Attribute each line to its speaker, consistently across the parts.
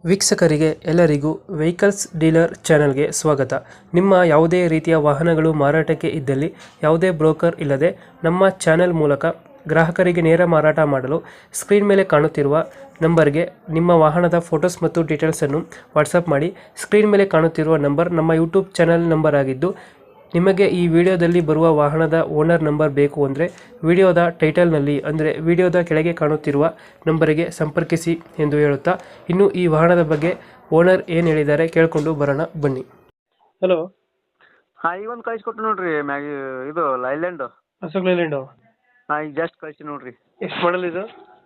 Speaker 1: ವೀಕ್ಷಕರಿಗೆ ಎಲ್ಲರಿಗೂ vehicles dealer ಚಾನೆಲ್ಗೆ ಸ್ವಾಗತ. ನಿಮ್ಮ ಯಾವುದೇ ರೀತಿಯ ವಾಹನಗಳು ಮಾರಾಟಕ್ಕೆ ಇದ್ದಲ್ಲಿ ಯಾವುದೇ ಬ್ರೋಕರ್ ಇಲ್ಲದೆ ನಮ್ಮ ಚಾನೆಲ್ ಮೂಲಕ ಗ್ರಾಹಕರಿಗೆ ನೇರ ಮಾರಾಟ ಮಾಡಲು ಸ್ಕ್ರೀನ್ ಮೇಲೆ ಕಾಣುತ್ತಿರುವ ನಂಬರ್ಗೆ ನಿಮ್ಮ ವಾಹನದ ಫೋಟೋಸ್ ಮತ್ತು ಡೀಟೇಲ್ಸನ್ನು ವಾಟ್ಸಪ್ ಮಾಡಿ. ಸ್ಕ್ರೀನ್ ಮೇಲೆ ಕಾಣುತ್ತಿರುವ ನಂಬರ್ ನಮ್ಮ ಯೂಟ್ಯೂಬ್ ಚಾನೆಲ್ ನಂಬರ್ ಆಗಿದ್ದು, ನಿಮಗೆ ಈ ವಿಡಿಯೋದಲ್ಲಿ ಬರುವ ವಾಹನದ ಓನರ್ ನಂಬರ್ ಬೇಕು ಅಂದರೆ ವಿಡಿಯೋದ ಟೈಟಲ್ನಲ್ಲಿ ಅಂದರೆ ವಿಡಿಯೋದ ಕೆಳಗೆ ಕಾಣುತ್ತಿರುವ ನಂಬರಿಗೆ ಸಂಪರ್ಕಿಸಿ ಎಂದು ಹೇಳುತ್ತಾ, ಇನ್ನು ಈ ವಾಹನದ ಬಗ್ಗೆ ಓನರ್ ಏನು ಹೇಳಿದ್ದಾರೆ ಕೇಳಿಕೊಂಡು ಬರೋಣ ಬನ್ನಿ. ಹಲೋ,
Speaker 2: ಹಾಂ ಈಗ ಒಂದು ಕಳಿಸ್ಕೊಟ್ಟು ನೋಡ್ರಿ ಇದು ಲೈಲ್ಯಾಂಡ್.
Speaker 1: ಅಶೋಕ್ ಲೈಲ್ಯಾಂಡು
Speaker 2: ಹಾಂ ಈಗ ಜಸ್ಟ್ ಕಳಿಸಿ ನೋಡ್ರಿ.
Speaker 1: ಎಷ್ಟು ಮಾಡಲ್ ಇದು?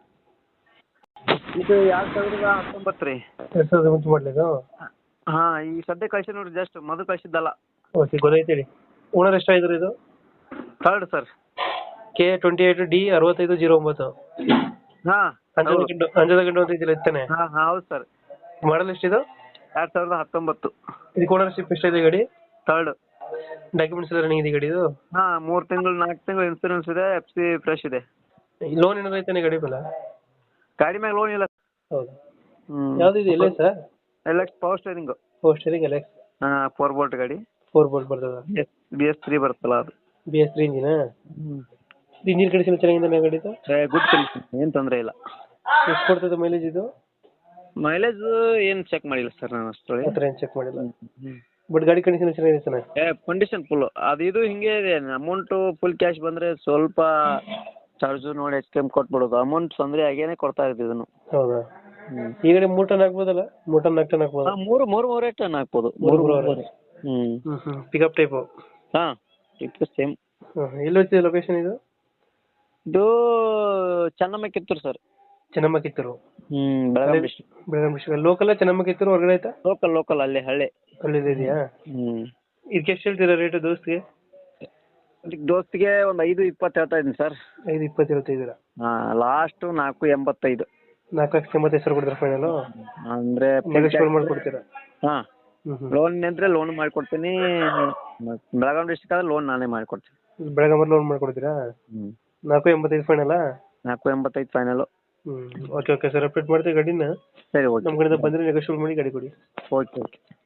Speaker 2: ಇದು 2019 ರೀ.
Speaker 1: 2019 ಮಾಡಲಿದು?
Speaker 2: ಹಾಂ ಈಗ ಸದ್ಯ ಕಳಿಸಿ ನೋಡ್ರಿ, ಜಸ್ಟ್ ಮೊದಲು ಕಳಿಸಿದ್ದಲ್ಲ.
Speaker 1: ಓಕೆ, ಗೊತ್ತಾಯ್ತು. ಓನರ್ ಎಷ್ಟಾಗಿದ್ರು ಇದು?
Speaker 2: Third sir.
Speaker 1: K28D 6509.
Speaker 2: ಹಾಂ
Speaker 1: ಅಂಜದ ಗಂಡು ಅಂತ ಇದೆಯಲ್ಲ, ಇತ್ತಾನೆ?
Speaker 2: ಹಾಂ ಹಾಂ ಹೌದು ಸರ್.
Speaker 1: ಮಾಡಲ್ ಎಷ್ಟಿದು?
Speaker 2: 2019.
Speaker 1: ಇದಕ್ಕೆ ಓನರ್ಶಿಪ್ ಎಷ್ಟಿದೆ ಗಾಡಿ?
Speaker 2: ಥರ್ಡ್.
Speaker 1: ಡಾಕ್ಯುಮೆಂಟ್ಸ್ ಎಲ್ಲ ರನ್ನಿಂಗ್ ಇದೆ ಗಾಡಿದು?
Speaker 2: ಹಾಂ 3 ತಿಂಗಳು 4 ತಿಂಗಳು ಇನ್ಸೂರೆನ್ಸ್ ಇದೆ, FC ಫ್ರೆಶ್ ಇದೆ.
Speaker 1: ಲೋನ್ ಏನಾದ್ರು ಐತಾನೆ ಗಾಡಿ ಮೇಲೆ?
Speaker 2: ಗಾಡಿ ಮ್ಯಾಗ ಲೋನ್ ಇಲ್ಲ.
Speaker 1: ಹೌದು. ಯಾವ್ದು ಇದು? ಎಲ್ಲ sir
Speaker 2: LX power steering.
Speaker 1: Power steering LX.
Speaker 2: ಹಾಂ 4 ಬೋಲ್ಟ್ ಗಾಡಿ.
Speaker 1: 4 ಬೋಲ್ಟ್ ಬರ್ತದ?
Speaker 2: BS3 ಬರುತ್ತಲ್ಲ ಅದು.
Speaker 1: BS3 ಇಂಜಿನ? ಇಂಜಿನ್ ಕಂಡೀಷನ್ ಚೆನ್ನಾಗಿದೆ ಗಾಡಿದು?
Speaker 2: ಗುಡ್ ಕಂಡೀಷನ್, ಏನು ತೊಂದರೆ ಇಲ್ಲ.
Speaker 1: ಎಷ್ಟು ಕೊಡ್ತದೆ ಮೈಲೇಜ್ ಇದು?
Speaker 2: ಮೈಲೇಜ್ ಏನು ಚೆಕ್ ಮಾಡಿಲ್ಲ ಸರ್ ನಾನು ಅಷ್ಟು.
Speaker 1: ಆ ಥರ ಏನು ಚೆಕ್ ಮಾಡಿಲ್ಲ, ಬಟ್ ಗಾಡಿ ಕಂಡೀಷನ್ ಚೆನ್ನಾಗಿದೆ ತಾನೆ?
Speaker 2: Condition full. ಅದು ಇದು ಹಿಂಗೆ ಇದೆ, ಅಮೌಂಟು ಫುಲ್ ಕ್ಯಾಶ್ ಬಂದರೆ ಸ್ವಲ್ಪ ಚಾರ್ಜು ನೋಡಿ HKM ಕೊಟ್ಬಿಡೋದು. ಅಮೌಂಟ್ ತೊಂದರೆ ಆಗೇನೆ ಕೊಡ್ತಾ ಇದ್ದೀವಿ ಇದನ್ನು.
Speaker 1: ಹೌದಾ? ಈ ಗಾಡಿ 3 ಟನ್ ಹಾಕ್ಬೋದಲ್ಲ? 3 ಟನ್ 4 ಟನ್ ಹಾಕ್ಬೋದು?
Speaker 2: ಹಾಂ 3 ಟನ್ ಹಾಕ್ಬೋದು.
Speaker 1: 3 ಪಿಕಪ್ ಟೈಪು?
Speaker 2: ಹಾಂ ಇದು ಸೇಮ್.
Speaker 1: ಎಲ್ಲಿ ಹೋಗ್ತಿದೆ ಲೊಕೇಶನ್ ಇದು?
Speaker 2: ಇದು Chennamma Kittur sir.
Speaker 1: Chennamma Kittur?
Speaker 2: Belagavi district.
Speaker 1: Belagavi district local? Chennamma Kittur ಹೊರಗಡೆ ಆಯ್ತಾ?
Speaker 2: ಲೋಕಲ್ ಅಲ್ಲೇ ಹಳ್ಳಿ.
Speaker 1: ಹಳ್ಳಿದು ಇದೆಯಾ? ಇದಕ್ಕೆ ಎಷ್ಟು ಹೇಳ್ತೀರಾ ರೇಟು ದೋಸ್ತಿಗೆ?
Speaker 2: ದೋಸ್ತಿಗೆ ಒಂದು 5:20 ಹೇಳ್ತಾ ಇದ್ದೀನಿ ಸರ್.
Speaker 1: 5:20 ಹೇಳ್ತಿದ್ದೀರಾ?
Speaker 2: ಹಾಂ ಲಾಸ್ಟು 4:85.
Speaker 1: 4,85,000 ಕೊಡ್ತೀರಾ ಫೈನಲು?
Speaker 2: ಅಂದರೆ
Speaker 1: ನೆಗೋಷಿಯೇಟ್ ಮಾಡ್ಕೊಡ್ತೀರಾ?
Speaker 2: ಹಾಂ ಲೋನ್ ಅಂದರೆ ಲೋನ್ ಮಾಡಿಕೊಡ್ತೀನಿ. ಬೆಳಗಾವಿ ಡಿಸ್ಟ್ರಿಕ್ಟ್ ಆದರೆ ಲೋನ್ ನಾನೇ ಮಾಡಿಕೊಡ್ತೀನಿ.
Speaker 1: ಬೆಳಗಾವಿ ಲೋನ್ ಮಾಡ್ಕೊಡ್ತೀರಾ? 4,85 ಫೈನಲ್ಲಾ?
Speaker 2: 4:85 ಫೈನಲು.
Speaker 1: ಓಕೆ ಸರ್, ಅಪ್ಡೇಟ್ ಮಾಡ್ತೀವಿ ಗಾಡಿನ.
Speaker 2: ಸರಿ ಓಕೆ.
Speaker 1: ನಮ್ಮ ಕಡೆಯಿಂದ ಬಂದರೆ ನೆಗೋಷಿಯೇಟ್ ಮಾಡಿ ಗಾಡಿ ಕೊಡಿ.
Speaker 2: ಓಕೆ.